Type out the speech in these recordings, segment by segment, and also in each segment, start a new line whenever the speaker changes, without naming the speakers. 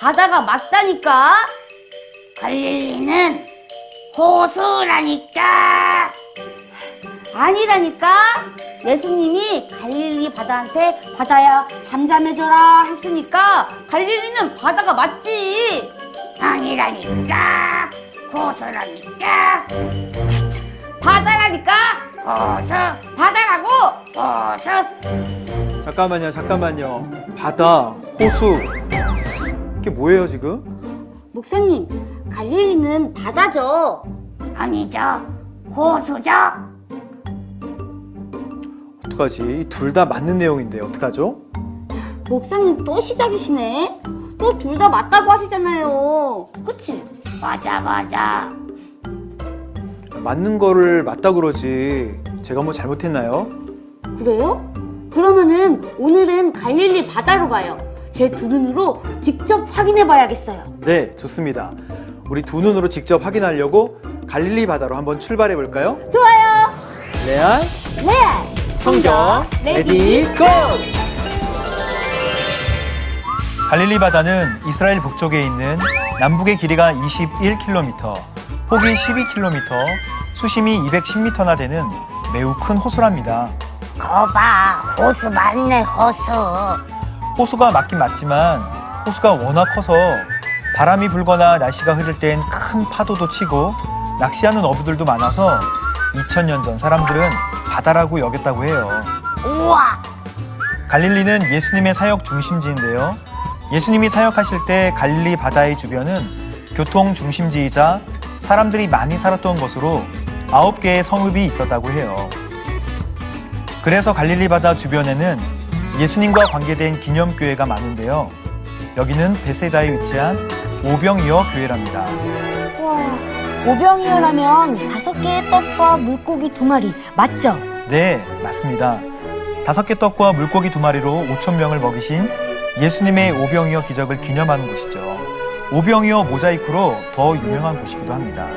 바다가 맞다니까.
갈릴리는 호수라니까.
아니라니까. 예수님이 갈릴리 바다한테 바다야 잠잠해져라 했으니까 갈릴리는 바다가 맞지.
아니라니까. 호수라니까.
바다라니까.
호수.
바다라고.
호수.
잠깐만요. 바다, 호수. 이게 뭐예요, 지금?
목사님, 갈릴리는 바다죠.
아니죠. 호수죠.
어떡하지? 둘 다 맞는 내용인데 어떡하죠?
목사님 또 시작이시네. 또 둘 다 맞다고 하시잖아요. 그치?
맞아.
맞는 거를 맞다 그러지. 제가 뭐 잘못했나요?
그래요? 그러면은 오늘은 갈릴리 바다로 가요. 제 두 눈으로 직접 확인해 봐야겠어요.
네, 좋습니다. 우리 두 눈으로 직접 확인하려고 갈릴리 바다로 한번 출발해 볼까요?
좋아요.
레알,
레알.
성경, 레디, 고! 갈릴리 바다는 이스라엘 북쪽에 있는 남북의 길이가 21km, 폭이 12km, 수심이 210m나 되는 매우 큰 호수랍니다.
거봐, 호수 맞네, 호수.
호수가 맞긴 맞지만 호수가 워낙 커서 바람이 불거나 날씨가 흐릴 땐 큰 파도도 치고 낚시하는 어부들도 많아서 2000년 전 사람들은 바다라고 여겼다고 해요.
우와.
갈릴리는 예수님의 사역 중심지인데요. 예수님이 사역하실 때 갈릴리 바다의 주변은 교통 중심지이자 사람들이 많이 살았던 곳으로 9개의 성읍이 있었다고 해요. 그래서 갈릴리 바다 주변에는 예수님과 관계된 기념교회가 많은데요. 여기는 베세다에 위치한 오병이어 교회랍니다.
와, 오병이어라면 5개의 떡과 물고기 2마리 맞죠?
네, 맞습니다. 5개 떡과 물고기 2마리로 5,000명을 먹이신 예수님의 오병이어 기적을 기념하는 곳이죠. 오병이어 모자이크로 더 유명한 곳이기도 합니다.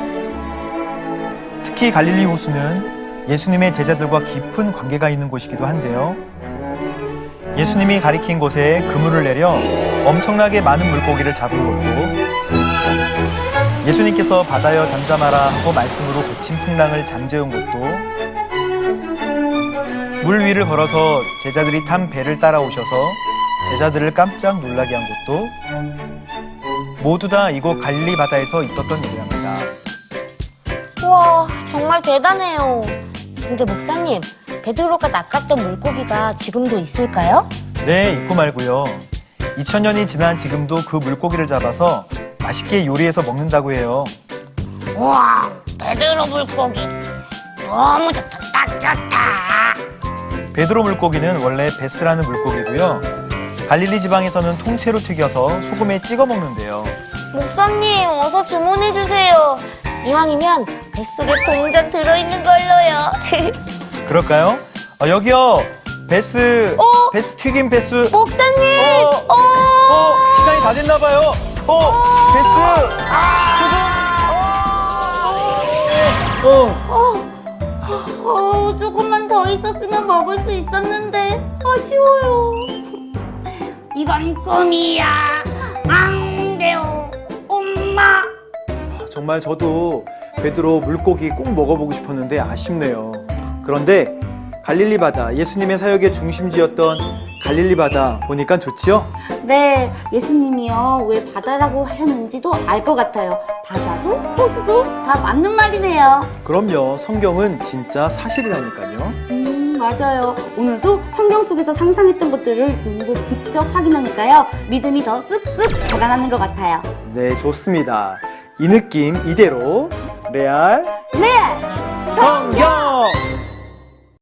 특히 갈릴리 호수는 예수님의 제자들과 깊은 관계가 있는 곳이기도 한데요. 예수님이 가리킨 곳에 그물을 내려 엄청나게 많은 물고기를 잡은 것도, 예수님께서 바다여 잠잠하라 하고 말씀으로 거친 풍랑을 잠재운 것도, 물 위를 걸어서 제자들이 탄 배를 따라오셔서 제자들을 깜짝 놀라게 한 것도 모두 다 이곳 갈릴리 바다에서 있었던 일이랍니다.
우와, 정말 대단해요. 근데 목사님, 베드로가 낚았던 물고기가 지금도 있을까요?
네, 있고 말고요. 2000년이 지난 지금도 그 물고기를 잡아서 맛있게 요리해서 먹는다고 해요.
우와, 베드로 물고기. 너무 좋다, 딱 좋다.
베드로 물고기는 원래 베스라는 물고기고요. 갈릴리 지방에서는 통째로 튀겨서 소금에 찍어 먹는데요.
목사님, 어서 주문해주세요. 이왕이면 뱃속에 동전 들어있는 걸로요.
그럴까요? 여기요. 베스, 베스 튀김 베스.
목사님!
시간이 다 됐나 봐요. 베스.
조금만 더 있었으면 먹을 수 있었는데 아쉬워요.
이건 꿈이야. 안 돼요, 엄마.
정말 저도 베드로 물고기 꼭 먹어보고 싶었는데 아쉽네요. 그런데 갈릴리 바다, 예수님의 사역의 중심지였던 갈릴리 바다 보니까 좋지요?
네, 예수님이요 왜 바다라고 하셨는지도 알 것 같아요. 바다도 호수도 다 맞는 말이네요.
그럼요. 성경은 진짜 사실이라니까요.
맞아요. 오늘도 성경 속에서 상상했던 것들을 눈으로 직접 확인하니까요. 믿음이 더 쓱쓱 자라나는 것 같아요.
네, 좋습니다. 이 느낌 이대로 레알
네!
성경!